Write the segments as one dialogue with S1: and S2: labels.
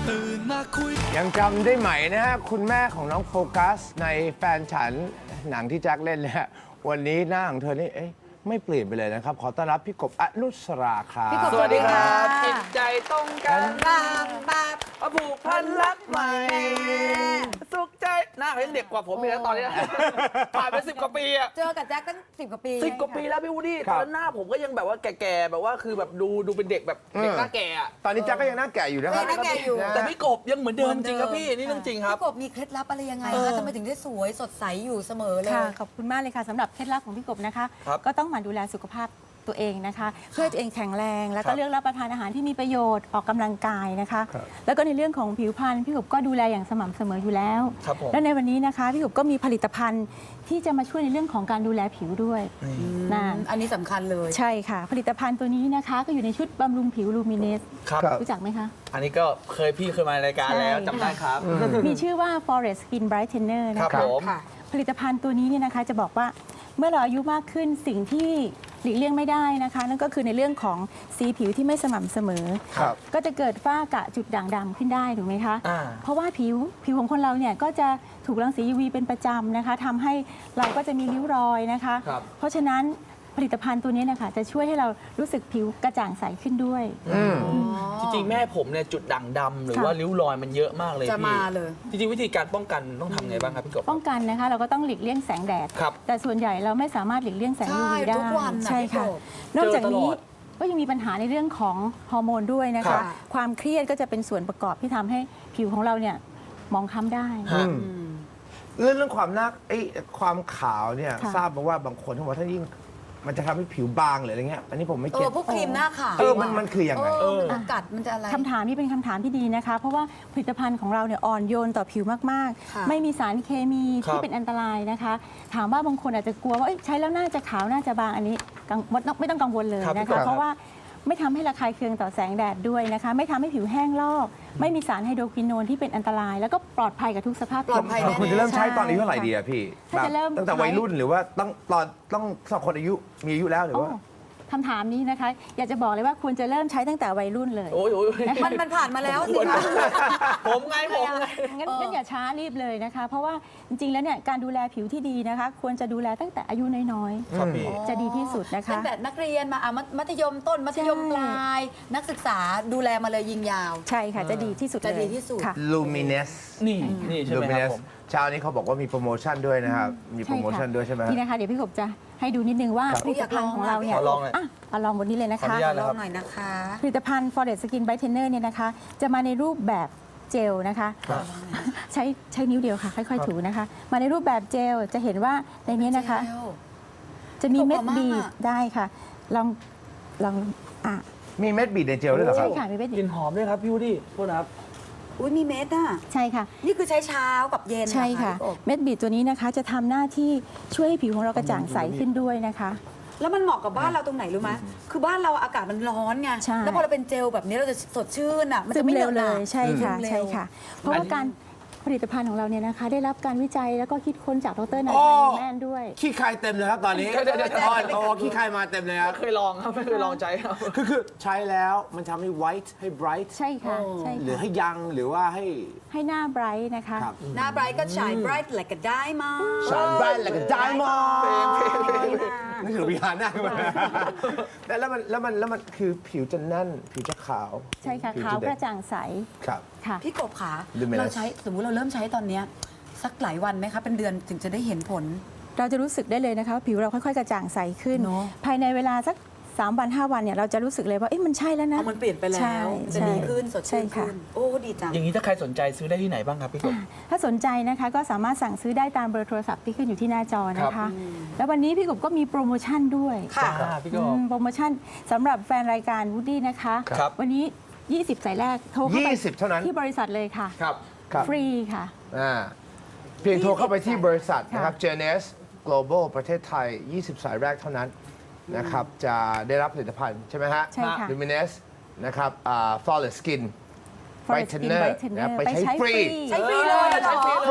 S1: ตื่นมาคุย
S2: ยังจำได้ไหมนะฮะคุณแม่ของน้องโฟกัสในแฟนฉันหนังที่แจ็คเล่นเนี่ยวันนี้หน้าของเธอนี่ไม่เปลี่ยนไปเลยนะครับขอต้อนรับพี่กบอนุสราครับ
S3: สวัสดีครับจิตใจตรงกันบางผูกพันรักใหม่สุขใจหน้าเขายังเด็กกว่าผมอีกแล้วตอนนี้ผ่านไป10 กว่าปีอะ
S4: เจอกับแจ็คตั้ง10 กว่าปี
S3: 10 กว่าปีแล้วพี่วูดดี้ตอนนั้นหน้าผมก็ยังแบบว่าแก่ๆแบบว่าคือแบบดูเป็นเด็กแบบเด็กหน้าแก่อะ
S2: ตอนนี้แจ็คก็ยังหน้าแก่อยู่นะครับ
S4: หน้าแก่อยู่
S3: แต่พี่กบยังเหมือนเดิมจริงครับพี่นี่เรื่องจริงครับ
S4: พี่กบมีเคล็ดลับอะไรยังไงคะทำไมถึงได้สวยสดใสอยู่เสมอเลย
S5: ค่ะขอบคุณมากเลยค่ะสำหรับเคล็ดลับของพี่กบนะคะ
S3: ครับ
S5: ก็ต้องหมั่นดูแลสุขภาพตัวเองนะคะ เพื่อให้ตัวเองแข็งแรง แล้ว
S3: ครั
S5: ก็
S3: บ
S5: เลือกรับประทานอาหารที่มีประโยชน์ออกกำลังกายนะคะ
S2: ครับ
S5: แล้วก็ในเรื่องของผิวพรรณพี่กบก็ดูแลอย่างสม่ำเสมออยู่แล้ว
S3: ครับผม
S5: และในวันนี้นะคะพี่กบก็มีผลิตภัณฑ์ที่จะมาช่วยในเรื่องของการดูแลผิวด้วยนะ
S4: อันนี้สำคัญเลย
S5: ใช่ค่ะ ผลิตภัณฑ์ตัวนี้นะคะ ก็อยู่ในชุดบำรุงผิวลูมิเนส
S3: ครับ
S5: รู้จักไหมคะ
S3: อันนี้ก็พี่เคยมารายการแล้ว
S5: ใช่
S3: จำได้ครับ
S5: มีชื่อว่า Forest Skin Brightener
S3: ครั
S5: นะ
S3: บ
S5: คะ
S3: ผม
S4: ค่ะ
S5: ผลิตภัณฑ์ตัวนี้เนี่ยนะคะจะบอกว่าเมื่อเราอายุมากขึ้นสิ่งที่หลีกเลี่ยงไม่ได้นะคะนั่นก็คือในเรื่องของสีผิวที่ไม่สม่ำเสมอ
S2: ครับ
S5: ก็จะเกิดฝ้ากระจุดด่างดำขึ้นได้ถูกไหมคะ
S3: อ่า
S5: เพราะว่าผิวของคนเราเนี่ยก็จะถูกรังสี UV เป็นประจำนะคะทำให้เราก็จะมีริ้วรอยนะคะ
S3: ครับ
S5: เพราะฉะนั้นผลิตภัณฑ์ตัวนี้นะคะจะช่วยให้เรารู้สึกผิวกระจ่างใสขึ้นด้วย
S3: จริงๆแม่ผมเนี่ยจุดด่างดำหรือว่าริ้วรอยมันเยอะมากเลย
S4: จะ
S3: พี่
S4: มาเลย
S3: จริงๆวิธีการป้องกันต้องทำไงบ้างครับพี่กบ
S5: ป้องกันนะคะเราก็ต้องหลีกเลี่ยงแสงแดด
S3: ครับ
S5: แต่ส่วนใหญ่เราไม่สามารถหลีกเลี่ยงแสง
S4: ใช่
S5: UV ได้
S4: ทุกวันน่ะ
S5: ใช่ค่ะ
S4: พี่กบ
S5: นอกจาก
S3: เจอตล
S5: นี้
S3: อด
S5: ก็ยังมีปัญหาในเรื่องของฮอร์โมนด้วยนะ
S3: ครั
S5: คะ
S3: บ
S5: ความเครียดก็จะเป็นส่วนประกอบที่ทำให้ผิวของเราเนี่ยหมองคล้ำได้
S3: ฮะ
S2: เรื่องความหน้าความขาวเนี่ย
S5: ค่ะ
S2: ทราบมาว่าบางคนเขาบอกถ้ายิ่งมันจะทำให้ผิวบางหรืออะไรเงี้ยอันนี้ผมไม่
S4: เอ
S2: เก็
S4: อ
S2: ต
S4: พวกครีมหน้าขาว
S2: มันคือยังไง
S4: มันจะกัดมันจะอะไร
S5: คำถามนี้เป็นคำถามที่ดีนะคะ เพราะว่าผลิตภัณฑ์ของเราเนี่ยอ่อนโยนต่อผิวมาก
S4: ค่ะ
S5: ๆ ไม่มีสารเคมี
S3: ครับ
S5: ที่เป็นอันตรายนะคะ ถามว่าบางคนอาจจะกลัวว่าเอ้ยใช้แล้วน่าจะขาวน่าจะบางอันนี้ไม่ต้องกังวลเลย
S3: ครับ
S5: นะ
S2: ครั
S5: คะ
S2: บ
S5: เพราะว่าไม่ทำให้ระคายเคืองต่อแสงแดดด้วยนะคะ ไม่ทำให้ผิวแห้งลอก ไม่มีสารไฮโดรควินโนนที่เป็นอันตราย แล้วก็ปลอดภัยกับทุกสภาพ
S4: ปลอดภัย
S5: ผิว
S2: คุณจะเริ่มใช้ตอนอายุเท่าไหร่ดีอะพี่
S5: ถ้าจะเริ่ม
S2: ตั้งแต่วัยรุ่นหรือว่าต้องสำหรับคนอายุมีอายุแล้วหรือว่า
S5: โอ้คำถามนี้นะคะ อยากจะบอกเลยว่าควรจะเริ่มใช้ตั้งแต่วัยรุ่นเลย
S3: โอ้ย
S4: มันผ่านมาแล้วสิคะ
S3: ผมไง
S5: งั้นอย่าช้ารีบเลยนะคะ เพราะว่าจริงๆแล้วเนี่ยการดูแลผิวที่ดีนะคะ ควรจะดูแลตั้งแต่อายุน้อย
S3: ครับพี่
S5: ๆ จะดีที่สุดนะคะ
S4: ตั้งแต่นักเรียนมามัธยมต้นมัธยมปลาย นักศึกษาดูแลมาเลยยิงยาว
S5: ใช่ค่ะจะดีที่สุด
S4: จะ
S5: เลย
S4: ดีที่สุด
S5: ค่ะ
S2: Luminous
S3: นี่ใช่ไหมครับผม
S2: เช้านี้เขาบอกว่ามีโปรโมชั่นด้วยนะครับ มีโปรโมชั่นด้วยใช่ไหมฮะ
S5: นี่นะคะ เดี๋ยวพี่กบจะให้ดูนิดนึงว่า
S2: ครับ
S5: ผลิตภัณฑ์ของเราเนี่ย
S3: ขอลองหน่อย
S5: เอาลองบนนี้เลยนะ
S3: ขออ
S5: คะ
S3: นุญาต
S4: ลองหน่อยนะคะ
S5: ผลิตภัณฑ์ Forest Skin Brightener เนี่ยนะคะ จะมาในรูปแบบเจลนะคะ
S3: ครับ
S5: ใช้นิ้วเดียวค่ะ ค่อยๆถูนะคะ มาในรูปแบบเจลจะเห็นว่าในนี้นะคะ จะมีเม็ดบีบได้ค่ะ ลองอ่ะ
S2: มีเม็ดบีดในเจลด้วยเหรอค
S5: ใช่
S2: รับ
S5: ค่ะมีเม็ด
S3: ก
S5: บี
S3: ลิ่
S5: บ
S3: นหอมด้วยครับพี่วูดดี้โทษนะครับ
S4: อุ้ยมีเม็ดอ่ะ
S5: ใช่ค่ะ
S4: นี่คือใช้เช้ากับเย็นเหรอ
S5: ใช่ค่ะ
S4: พี่กบ
S5: เม็ดบีดตัวนี้นะคะ จะทำหน้าที่ช่วยให้ผิวของเรากระจ่างใสขึ้นด้วยนะคะ
S4: แล้วมันเหมาะกับบ้านเราตรงไหนรู้ไหมคือบ้านเราอากาศมันร้อนไง
S5: ใช่
S4: แล้วพอเราเป็นเจลแบบนี้เราจะสดชื่นอ่ะ มัน
S5: ซึ
S4: จะ
S5: ม
S4: ไม่
S5: เร็ว
S4: ห
S5: เล
S4: นอะ
S5: ยใช่ค่ะ
S4: ซึมเร็ว
S5: ใช่ค่ะ เพราะว่าการผลิตภัณฑ์ของเราเนี่ยนะคะ ได้รับการวิจัยแล้วก็คิดค้นจากดรนาย
S2: อ๋อ
S5: พันธ์แมนด้วย
S2: ขี้คายเต็มเลยครับตอนนี้
S3: เดี๋ยว
S2: โอ้ขี้คายมาเต็มเลยครับ
S3: ไม่เคยลองครับไม่เคยลองใจครับ
S2: คือใช้แล้วมันทำให้ white ให้ bright
S5: ใช่ค่ะใช่
S2: หรือ
S5: ค่ะ
S2: ให้ยังหรือว่าให้
S5: ให้หน้าไบรท์นะคะ
S2: ครับ
S4: หน้าไบรท์ก็ฉายไบรท์แหละก็ได้มา
S2: shine bright like a diamond นึกถึงวิหารหน้าขึ้นมาแล้วมันคือผิวจะแน่น ผิวจะขาว
S5: ใช่ค่ะ
S2: ผิ
S5: ขาว
S2: จ
S5: ก
S2: เด็
S5: ระจ่างใส
S2: ครับ
S5: ค่ะ
S4: พี่กบขา
S2: Luminous
S4: เราใช้สมมุติเราเริ่มใช้ตอนเนี้ยสักหลายวันไหมคะเป็นเดือนถึงจะได้เห็นผล
S5: เราจะรู้สึกได้เลยนะคะว่าผิวเราค่อยๆ กระจ่างใสขึ้น
S4: เนอะ
S5: ภายในเวลาสัก3 วัน 5 วันเนี่ยเราจะรู้สึกเลยว่าเอ๊ะมันใช่แล้วนะ
S4: เอามันเปลี่ยนไปแล้
S5: ใช่
S4: วจะ
S5: ใช่
S4: ดีขึ้นสด
S5: ใช่
S4: ชื่น
S5: ค่ะ
S4: ขึ้นโอ้ดีจัง
S3: อย่างนี้ถ้าใครสนใจซื้อได้ที่ไหนบ้างครับพี่กบ
S5: ถ้าสนใจนะคะก็สามารถสั่งซื้อได้ตามเบอร์โทรศัพท์ที่ขึ้นอยู่ที่หน้าจอนะ
S3: ครั
S5: คะ
S3: บ
S5: แล้ววันนี้พี่กบก็มีโปรโมชั่นด้วย
S4: ค่ะ
S3: พี่กบ
S5: โปรโมชั่นสำหรับแฟนรายการวูดดี้นะคะ
S3: ครับ
S5: วันนี้ 20 สายแรกโทรเข้าไป
S2: 20เท่านั้น
S5: ที่บริษัทเลยค่ะ
S3: ครับ
S2: ครับ
S5: ฟรีค่ะ
S2: เพียงโทรเข้าไปที่บริษัทนะครับ JNS Global ประเทศไทย 20 สายแรกเท่านั้นนะครับ จะได้รับผลิตภัณฑ์ใช่ไหมฮะ
S5: ใช่ค่ะ
S2: Luminous นะครับFlawless Skin
S5: Forest Skin
S2: Brightener
S5: Brightener
S2: นะครับไป
S5: ไป
S2: ใช้
S5: ใช้
S2: ฟรี
S4: ใช้ฟรีเลยเหรอ
S3: ใช้ฟรี
S2: ฟรี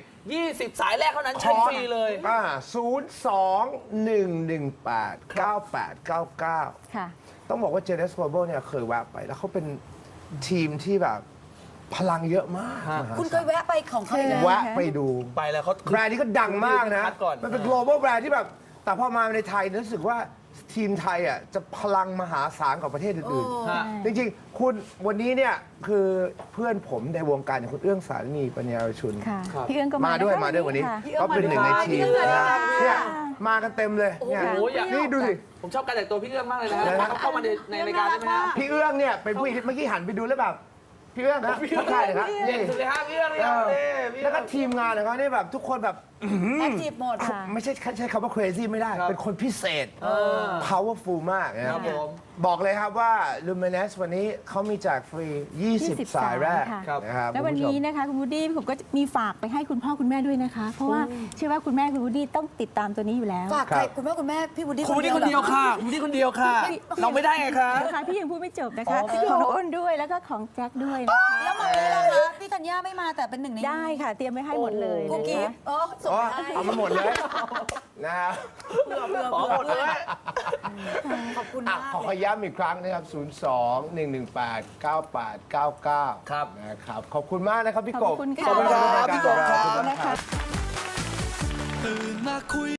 S3: 20 สายแรกเท่านั้นใช้ฟรีเลย
S2: 02-118-9899
S5: ค่ะ
S2: ต้องบอกว่า JNS Global เนี่ยเคยแวะไป แล้วเขาเป็นทีมที่แบบพลังเยอะมาก
S3: ฮะ
S2: มหา
S4: คุณเค
S2: ศาย ล
S4: แวะไปของเขาอีกแล้ว
S2: แวะไปดู
S3: ไปแล้วเขา
S2: แบรนด์นี้ก็ดังมากนะ
S3: คัดก่อน
S2: มันเป็น global แบรนด์ที่แบบ แต่พอมาในไทยรู้สึกว่าทีมไทยอ่ะจะพลังมหาศาลกว่าประเทศอื่น
S3: ฮะ
S2: ๆ จริงๆ คุณวันนี้เนี่ยคือเพื่อนผมในวงการอย่างคุณเอื้องสารณีปัญญารชุน
S5: ค่ะ
S3: ครับ
S5: พี่เอื้องก็
S2: มาด้วย
S5: นะคะ
S2: มาด้วยวันนี้
S5: ค่ะ
S2: ก็เป็นหนึ่งในทีม
S3: พี่เอื้อง
S2: นะ
S3: มาด้วย
S2: เนี่ยมากันเต็มเลยเนี่ย
S3: โอ้โหอยาก
S2: นี่ดูสิ
S3: ผมชอบการแต่งตัวพี่เอื้องมากเลยนะฮะ
S2: นะฮะ
S3: เขาเข้ามาในรายการได้ไหมฮะ
S2: พี่เอื้องเนี่ยเป็นผู้หญิงที่เมื่อกี้หันไปดูแล้วแบบพี่เอื้องนะทักทายเลยครับ
S3: เด่
S2: นี่
S3: นสุดเลยฮะพี่เอื้องเลย
S2: เอ
S3: ฮะ
S2: อ
S3: นี่พี่
S2: แล้
S3: เอื้
S2: ว
S3: อง
S2: ก็ทีมงานของเขาเนี่ยแบบทุกคนแบบ
S4: แอคทีฟหมด
S5: ค่ะ
S2: ไม่ใช่คำว่า crazy ไม่ได้
S3: ครับ
S2: เป็นคนพิเศษ
S3: อ
S2: powerful มากนะค
S3: ครั
S2: รั
S3: บบ ผม
S2: บอกเลยครับว่า Luminous วันนี้เขามีแจกฟรี 20 สายแรก
S5: ค่ะ
S2: นะครับ
S5: แล้ววัน
S2: คุณผู้ชม
S5: นี้นะคะคุณวูดดี้ผมก็มีฝากไปให้คุณพ่อคุณแม่ด้วยนะคะ เพราะว่าเชื่อว่าคุณแม่คุณวูดดี้ต้องติดตามตัวนี้อยู่แล้ว
S4: ฝากใครคุณแม่คุณแม่พี่วูดดี้
S3: คุณนี่คนเดียว
S4: หรอ
S3: ค่ะคุณนี่คนเดียวค่ะ เราไม่ได้ไงคะ
S5: นะคะพี่ยังพูดไม่จบนะคะ
S4: อ๋อ
S5: ของน้องอ้นด้วยแล้วก็ของแจ็คด้วยนะคะ
S4: แล้วมาเลยล่ะคะพี่ธัญญาไม่มาแต่เป็นหนึ่งใน
S5: ได้ค่ะ เตรียมไว้ให้หมดเลย
S4: กุ๊ก
S5: นะ
S4: กิ๊
S5: คะ
S4: บอ๋อส่ง
S2: อ๋อ
S4: ให้
S2: เอามาหมดเลยนะครับ
S3: ขอหมดเลย
S4: ขอบคุณ
S2: อ่ะ
S4: มาก
S2: ขอย้ำอีกครั้งนะครับ 02-118-9899
S3: ครับ
S2: นะครับ ขอบคุณมากนะครับพี่กบ
S5: ขอบคุณค่ะ
S3: ขอบคุณครับพี่กบครับ
S2: ขอณมาก
S5: นะคะ
S1: ตื่นมาคุย